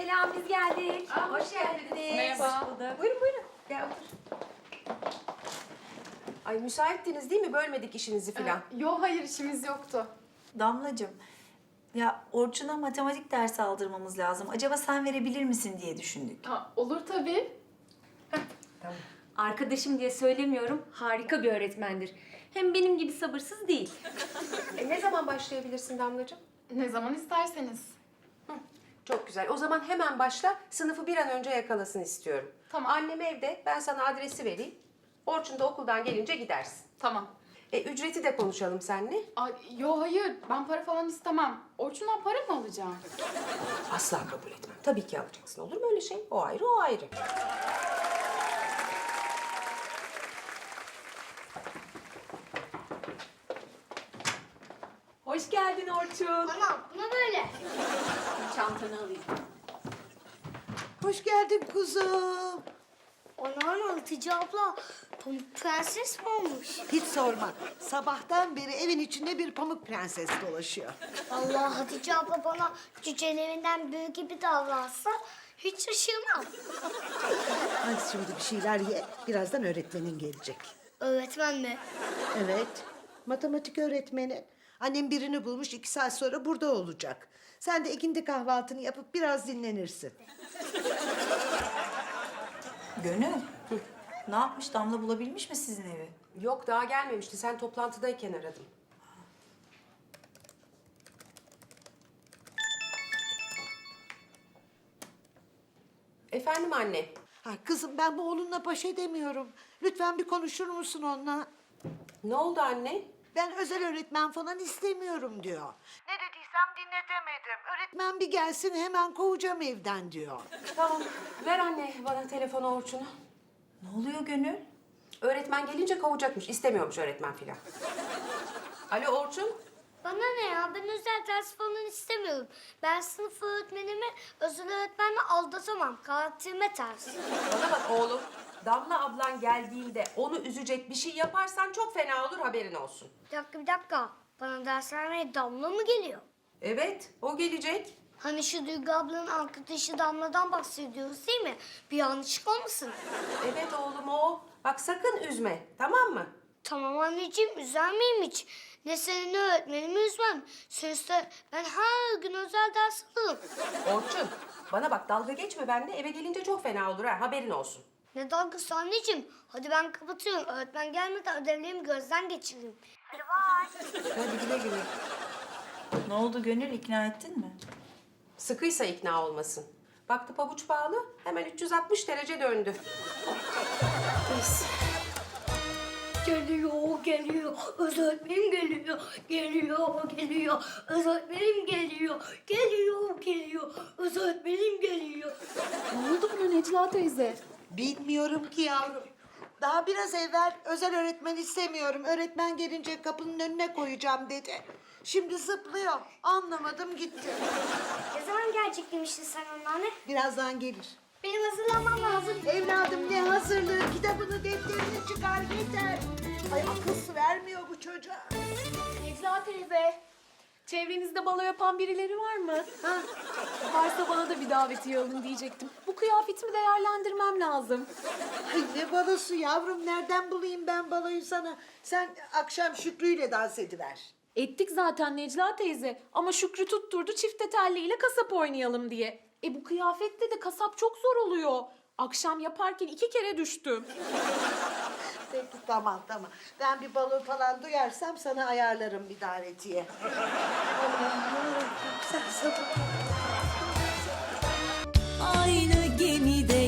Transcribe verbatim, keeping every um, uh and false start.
Selam, biz geldik. Aa, hoş geldiniz. Merhaba. Buyurun buyurun. Gel otur. Ay müsaittiniz değil mi? Bölmedik işinizi filan. Ee, yo hayır işimiz yoktu. Damlacığım, ya Orçun'a matematik dersi aldırmamız lazım. Acaba sen verebilir misin diye düşündük. Ha, olur tabii. Tamam. Arkadaşım diye söylemiyorum, harika bir öğretmendir. Hem benim gibi sabırsız değil. E, ne zaman başlayabilirsin Damlacığım? Ne zaman isterseniz. Çok güzel. O zaman hemen başla. Sınıfı bir an önce yakalasın istiyorum. Tamam. Annem evde. Ben sana adresi vereyim. Orçun da okuldan gelince gidersin. Tamam. E, ücreti de konuşalım seninle. Ay, yo hayır ben para falan istemem. Orçun'dan para mı alacağım? Asla kabul etmem. Tabii ki alacaksın. Olur mu öyle şey? O ayrı, o ayrı. Hoş geldin Orçun. Anam buna böyle. Çantanı alayım. Hoş geldin kuzum. Anam Hatice abla pamuk prenses mi olmuş? Hiç sorma. Sabahtan beri evin içinde bir pamuk prenses dolaşıyor. Allah Hatice abla bana cücelerinden büyük gibi davransa hiç şaşırmam. Hadi şimdi bir şeyler ye. Birazdan öğretmenin gelecek. Öğretmen mi? Evet. Matematik öğretmeni. Annem birini bulmuş, iki saat sonra burada olacak. Sen de ikindi kahvaltını yapıp biraz dinlenirsin. Gönül, ne yapmış? Damla bulabilmiş mi sizin evi? Yok daha gelmemişti. Sen toplantıdayken aradım. Efendim anne. Ha, kızım ben bu oğlunla baş edemiyorum. Lütfen bir konuşur musun onunla? Ne oldu anne? Ben özel öğretmen falan istemiyorum diyor. Ne dediysem dinletemedim. Öğretmen bir gelsin hemen kovacağım evden diyor. Tamam. Ver anne bana telefonu Orçun'u. Ne oluyor Gönül? Öğretmen gelince kovacakmış. İstemiyormuş öğretmen filan. Alo Orçun. Bana ne ya? Ben özel ders falan istemiyorum. Ben sınıf öğretmenimi özel öğretmenle aldatamam. Karakterime ters. Bana bak oğlum. Damla ablan geldiğinde onu üzecek bir şey yaparsan çok fena olur haberin olsun. Bir dakika bir dakika. Bana ders vermeye Damla mı geliyor? Evet o gelecek. Hani şu Duygu ablanın arkadaşı Damla'dan bahsediyoruz değil mi? Bir yanlışlık olmasın? Evet oğlum o. Bak sakın üzme tamam mı? Tamam anneciğim, üzer miyim hiç? Ne seni ne öğretmenimi üzmem. Sözde ben her gün özel ders alırım. Orçun bana bak dalga geçme benimle eve gelince çok fena olur ha haberin olsun. Ne dalgası anneciğim? Hadi ben kapatıyorum. Öğretmen gelmeden ödevlerimi gözden geçireyim. Hadi bay. Hadi güle güle. Ne oldu Gönül? İkna ettin mi? Sıkıysa ikna olmasın. Baktı pabuç bağlı hemen üç yüz altmış derece döndü. Geliyor, geliyor. Öğretmenim geliyor. Geliyor, geliyor. Öğretmenim geliyor. Geliyor, geliyor. Öğretmenim geliyor. Ne oldu buna Necla teyze? Bilmiyorum ki yavrum. Daha biraz evvel özel öğretmen istemiyorum. Öğretmen gelince kapının önüne koyacağım dedi. Şimdi zıplıyor. Anlamadım gitti. Ne zaman gelecek demiştin sen anneanne? Birazdan gelir. Benim hazırlanmam lazım. Evladım ne hazırlığı? Kitabını, defterini çıkar yeter. Ay akıl vermiyor bu çocuğa. Necla teyze. Çevrenizde balo yapan birileri var mı? Ha? Varsa bana da bir davetiye alın diyecektim. Bu kıyafetimi değerlendirmem lazım. Ay ne balosu yavrum? Nereden bulayım ben baloyu sana? Sen akşam Şükrü'yle dans ediver. Ettik zaten Necla teyze. Ama Şükrü tutturdu çifte telliyle kasap oynayalım diye. E bu kıyafetle de kasap çok zor oluyor. Akşam yaparken iki kere düştüm. Peki tamam tamam. Ben bir balo falan duyarsam sana ayarlarım bir davetiye. Allah'ım sen sabır. Aynı gemide